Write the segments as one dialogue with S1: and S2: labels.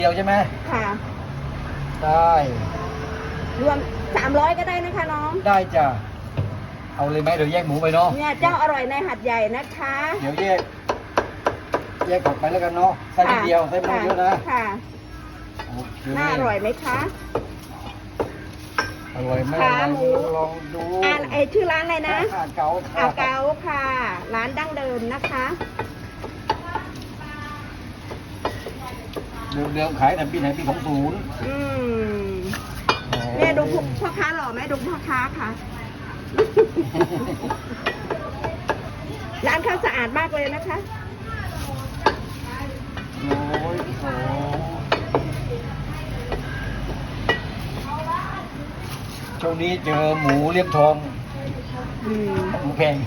S1: เดียวใช่ไหม
S2: ค่ะ
S1: ได้
S2: รวม300ก็ได้นะคะน้อง
S1: ได้จ้ะเอาเลยไหมเดี๋ยวแยกหมูไปเนาะ
S2: เนี่ยเจ้าอร่อยในหัดใหญ่นะคะ
S1: เดี๋ยวแยกออกไปแล้วกันเนาะใส่นิดเดียวใส่ไม่เยอะนะ
S2: ค่ะ
S1: โอเค
S2: น่าอร่อยไหมคะ
S1: อร่อยไหม
S2: ขาหมู
S1: ลองดู
S2: ชื่อร้านอะไรนะ
S1: อาเก๋า
S2: อาเก๋าค่ะ ร้านดั้งเดิมนะคะ
S1: เดิมขายแต่ปีไหนปี20
S2: เนี่ยดูพ่อค้าหล่อไหมดูพ่อค้าค่ะ ร้านเขาสะอาดมากเลยนะคะ
S1: โอ้ยช่วงนี้เจอหมูเลียมทองหมูแพง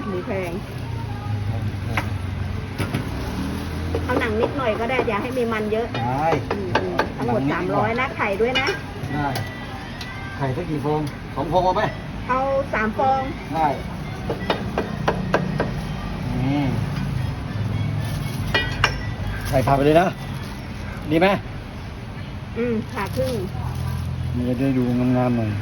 S2: เอาหนังนิดหน่อยก็ได้อย่าให้มีมันเยอะ
S1: ได้
S2: ทั้งหมด300นะไข่ด้วยนะ
S1: ได้ไข่สักกี่ฟอง2 ฟองเอาไหม
S2: เอา3 ฟอง
S1: ได้ใส่ผักไปเลยนะดีไหม
S2: ผ่าครึ่ง
S1: มันจะได้ดูงามๆหน่อย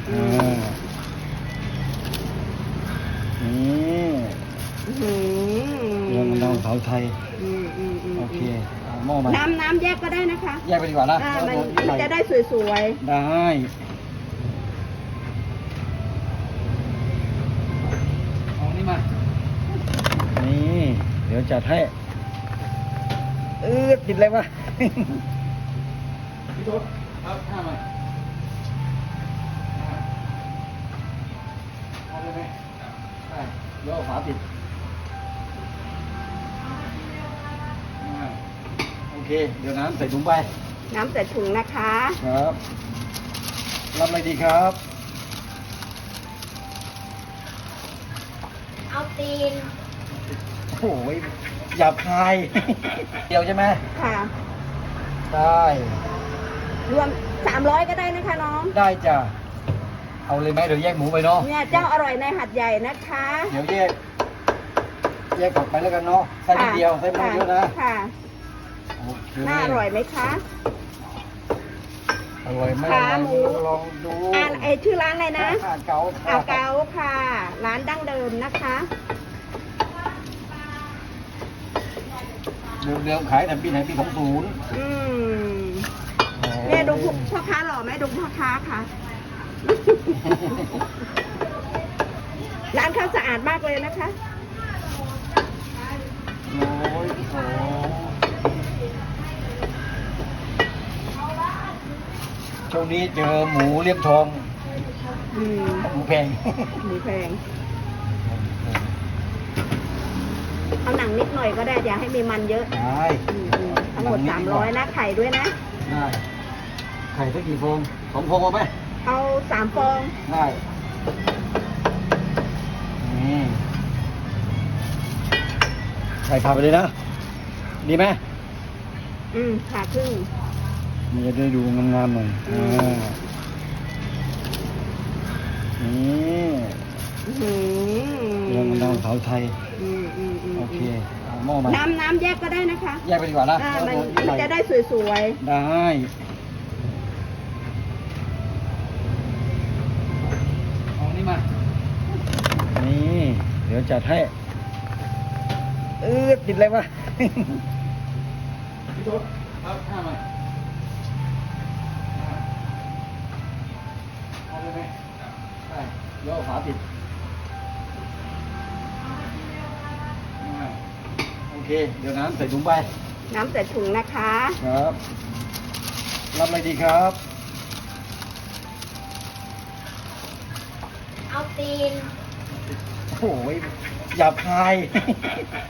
S1: นี่เรื่องน้ำเผาไทยโอเคหม้อมา
S2: น้ำแยกก็ได้นะคะ
S1: แยกไปดีกว่านะ
S2: มันจะได้สวย
S1: ๆได้เอานี่มานี่เดี๋ยวจัดให้ติดอะไรวะพี่โต๊ดครับข้ามาเอาเลยไหมได้เดี๋ยวเอาฝาปิดโอเคเดี๋ยวน้ำใส่ถุงไป
S2: น้ำใส่ถุงนะคะ
S1: ครับรับอะไรดีครับ
S2: เอาตีน
S1: โอ้ยหยาบคายเดียวใช่ไหม
S2: ค่ะ
S1: ได้
S2: รวม300ก็ได้นะคะน้อง
S1: ได้จ้ะเอาเลยไหมเดี๋ยวแยกหมูไปเนาะ
S2: เนี่ยเจ้าอร่อยในหัดใหญ่นะคะ
S1: เดี๋ยวแยกออกไปแล้วกันเนาะใส่นิดเดียวใส่ไม่เยอะนะ
S2: ค่ะน่าอร่อยไหมคะ
S1: อร่อยไหม
S2: ขาหมู
S1: ลองดู
S2: ชื่อร้านอะไรนะ
S1: อาเก๋า
S2: ค่ะ ร้านดั้งเดิมนะคะ
S1: เดิมขายแต่ปีไหนปี20
S2: เนี่ยดูพ่อค้าหล่อไหมดูพ่อค้าค่ะ ร้านเขาสะอาดมากเลยนะคะ
S1: โอ้ยช่วงนี้เจอหมูเลียมทองหมูแพง
S2: เอาหนังนิดหน่อยก็ได้อย่าให้มีมันเยอะ
S1: ได้
S2: ทั้งหมด300นะไข่ด้วยนะ
S1: ได้ไข่สักกี่ฟอง2 ฟองเอาไหม
S2: เอา3 ฟอง
S1: ได้ใส่ผักไปเลยนะดีไหม
S2: ผ่าครึ่ง
S1: มันจะได้ดูงามๆหน่อยนี่เรื่องน้ำเผาไทยโอเคหม้อมา
S2: น้ำแยกก็ได้นะคะ
S1: แยกไปดีกว่านะ
S2: มันจะได้สวย
S1: ๆได้เอานี่มานี่เดี๋ยวจัดให้ติดอะไรวะพี่โต๊ดครับข้ามาเอาเลยไหมได้เดี๋ยวเอาฝาปิดโอเคเดี๋ยวน้ำใส่ถุงไป
S2: น้ำใส่ถุงนะคะ
S1: ครับรับอะไรดีครับ
S2: เอาตีน
S1: โอ้ยหยาบคาย